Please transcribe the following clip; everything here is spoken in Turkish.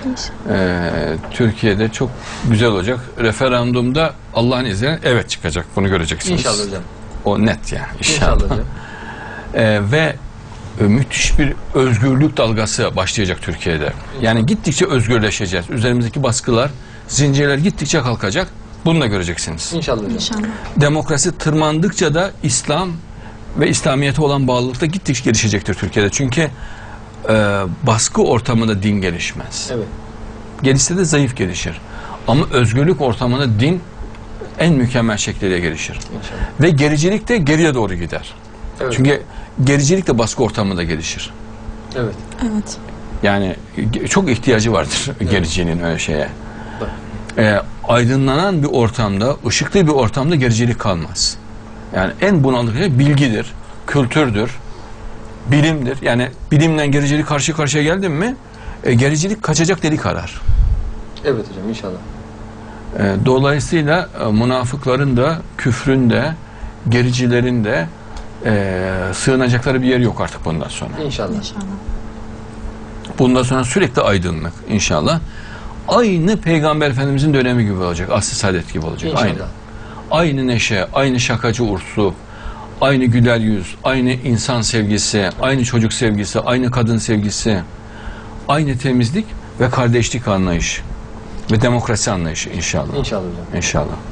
Türkiye'de çok güzel olacak. Referandumda Allah'ın izniyle evet çıkacak. Bunu göreceksiniz. İnşallah hocam. O net yani. İnşallah hocam. Ve müthiş bir özgürlük dalgası başlayacak Türkiye'de. Yani gittikçe özgürleşeceğiz. Üzerimizdeki baskılar, zincirler gittikçe kalkacak. Bunu da göreceksiniz. İnşallah hocam. İnşallah. Demokrasi tırmandıkça da İslam ve İslamiyet'e olan bağlılık da gittikçe gelişecektir Türkiye'de. Çünkü baskı ortamında din gelişmez. Evet. Gelişse de zayıf gelişir. Ama özgürlük ortamında din en mükemmel şekliyle gelişir. İnşallah. Ve gericilik de geriye doğru gider. Evet. Çünkü gericilik de baskı ortamında gelişir. Evet. Evet. Yani çok ihtiyacı vardır gericiliğin öyle şeye. Aydınlanan bir ortamda, ışıklı bir ortamda gericilik kalmaz. Yani en bunalık şey bilgidir, kültürdür, bilimdir. Yani bilimle gericilik karşı karşıya geldin mi, gericilik kaçacak delik arar. Evet hocam inşallah. Dolayısıyla münafıkların da, küfrün de, gericilerin de sığınacakları bir yer yok artık bundan sonra. İnşallah. İnşallah. Bundan sonra sürekli aydınlık inşallah. Aynı Peygamber Efendimizin dönemi gibi olacak. Asr-ı Saadet gibi olacak. İnşallah. Aynı. Aynı neşe, aynı şakacı ursu, aynı güler yüz, aynı insan sevgisi, aynı çocuk sevgisi, aynı kadın sevgisi, aynı temizlik ve kardeşlik anlayışı ve demokrasi anlayışı inşallah. İnşallah hocam. İnşallah.